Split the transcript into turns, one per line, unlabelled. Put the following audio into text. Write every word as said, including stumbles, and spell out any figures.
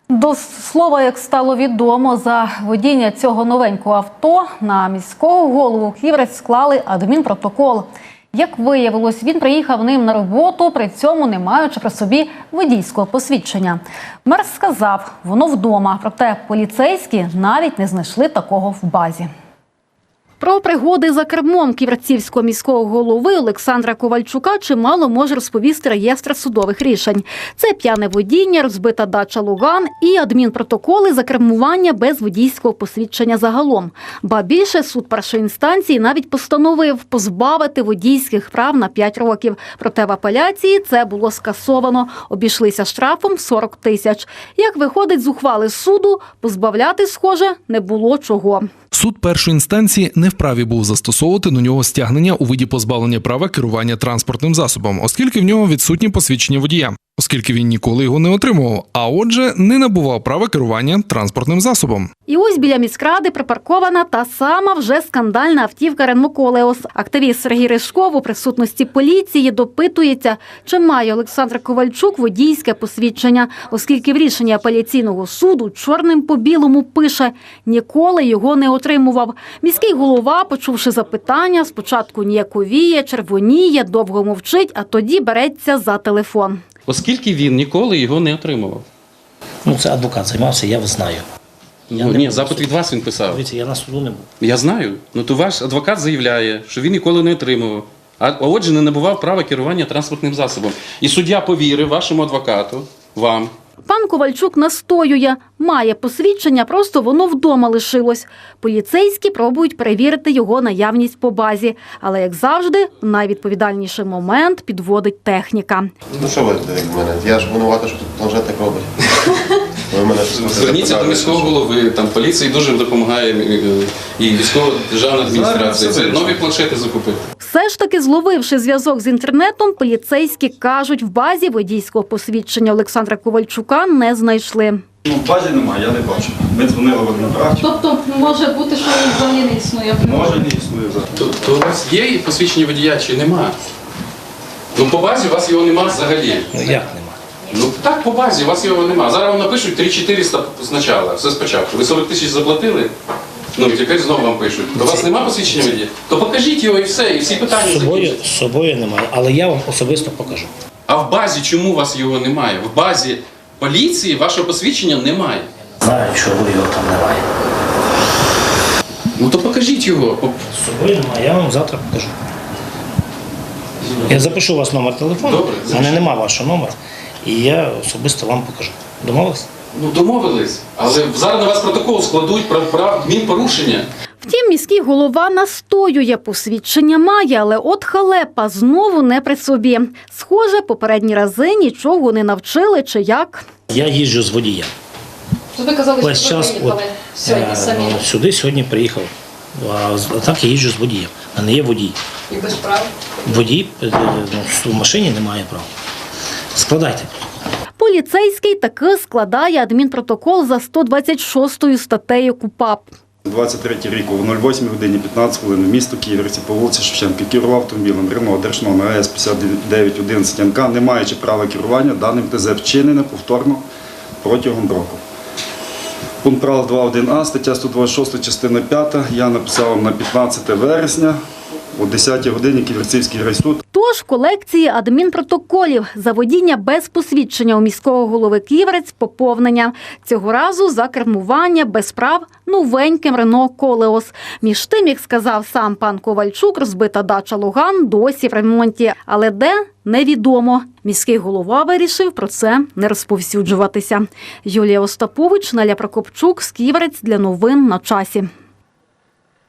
До слова, як стало відомо, за водіння цього новенького авто на міського голову Ківерець склали адмінпротокол. Як виявилось, він приїхав ним на роботу, при цьому не маючи при собі водійського посвідчення. Мер сказав, воно вдома, проте поліцейські навіть не знайшли такого в базі. Про пригоди за кермом ківерцівського міського голови Олександра Ковальчука чимало може розповісти реєстр судових рішень. Це п'яне водіння, розбита дача Луган і адмінпротоколи за кермування без водійського посвідчення загалом. Ба більше, суд першої інстанції навіть постановив позбавити водійських прав на п'ять років. Проте в апеляції це було скасовано. Обійшлися штрафом сорок тисяч. Як виходить з ухвали суду, позбавляти, схоже, не було чого.
Суд першої інстанції не вправі був застосовувати до нього стягнення у виді позбавлення права керування транспортним засобом, оскільки в нього відсутнє посвідчення водія, оскільки він ніколи його не отримував, а отже, не набував права керування транспортним засобом.
І ось біля міськради припаркована та сама вже скандальна автівка Renault Koleos. Активіст Сергій Ришков у присутності поліції допитується, чи має Олександр Ковальчук водійське посвідчення, оскільки в рішенні апеляційного суду чорним по білому пише – ніколи його не отримував. Міський голова, почувши запитання, спочатку ніяковіє, червоніє, довго мовчить, а тоді береться за телефон.
Оскільки він ніколи його не отримував.
Ну, це адвокат займався, я знаю. Я
Ну,
не
ні,
був
запит
на
від вас він писав.
Дивіться, я на суду не був.
Я знаю. Ну, то ваш адвокат заявляє, що він ніколи не отримував. А отже, не набував права керування транспортним засобом. І суддя повірив вашому адвокату, вам.
Пан Ковальчук настоює, має посвідчення, просто воно вдома лишилось. Поліцейські пробують перевірити його наявність по базі. Але, як завжди, в найвідповідальніший момент підводить техніка.
Ну що ви від мене? Я ж винувата, що тут планшетник робить. Ви мене
Зверніться до міського голови, там поліції дуже допомагає, і військова державна адміністрація. Це нові планшети закупити.
Все ж таки, зловивши зв'язок з інтернетом, поліцейські кажуть, в базі водійського посвідчення Олександра Ковальчука не знайшли.
Ну, в базі немає, я не бачу. Ми дзвонили в адмінправді.
Тобто може бути, що він взагалі не існує?
Може, не існує взагалі.
То, то у вас є посвідчення водія чи нема? Ну, по базі у вас його нема взагалі.
Ну, як нема?
Ну, так, по базі у вас його нема. Зараз вам напишуть три чотириста спочатку, все спочатку. Ви сорок тисяч заплатили? Ну, і тепер знову вам пишуть. До вас нема посвідчення водія? То покажіть його і все, і всі питання
З собою,
закінчаться.
з собою немає, але я вам особисто покажу.
А в базі чому у вас його немає? В базі поліції вашого посвідчення немає.
Знаю, чого його там немає.
Ну, то покажіть його.
З собою немає, я вам завтра покажу. Я запишу у вас номер телефону,
Добре,
в мене немає вашого номера, і я особисто вам покажу. Домовились?
Ну, домовились. Але зараз на вас протокол складуть про прав адмінпорушення.
Втім, міський голова настоює, посвідчення має, але от халепа знову не при собі. Схоже, попередні рази нічого не навчили чи як.
Я їжджу з водієм.
То ви казали,
Весь
що ви
час
приїхали
от,
сьогодні
е,
самі
ну, сюди сьогодні приїхав. А з- а так я їжджу з водієм. А не є водій.
і без прав.
Водій е, ну, в машині немає права. Складайте.
Поліцейський таки складає адмінпротокол за сто двадцять шостою статтею КУпАП.
двадцять третій рік о нуль восьмій годині п'ятнадцять хвилин місто Ківерці по вулиці Шевченка керував автомобілем Renault Держномер АЕС п'ятдесят дев'ять одинадцять ен ка, не маючи права керування даним ТЗ, вчинене повторно протягом року. Пункт правил два один а, стаття сто двадцять шість, частина п'ята, я написав вам на п'ятнадцяте вересня о десятій годині Ківерцівський райсуд.
Тож в колекції адмінпротоколів за водіння без посвідчення у міського голови Ківерець поповнення. Цього разу за кермування без прав новеньким Renault Koleos. Між тим, як сказав сам пан Ковальчук, розбита дача Луган досі в ремонті. Але де – невідомо. Міський голова вирішив про це не розповсюджуватися. Юлія Остапович, Неля Прокопчук, Ківерець для новин на часі.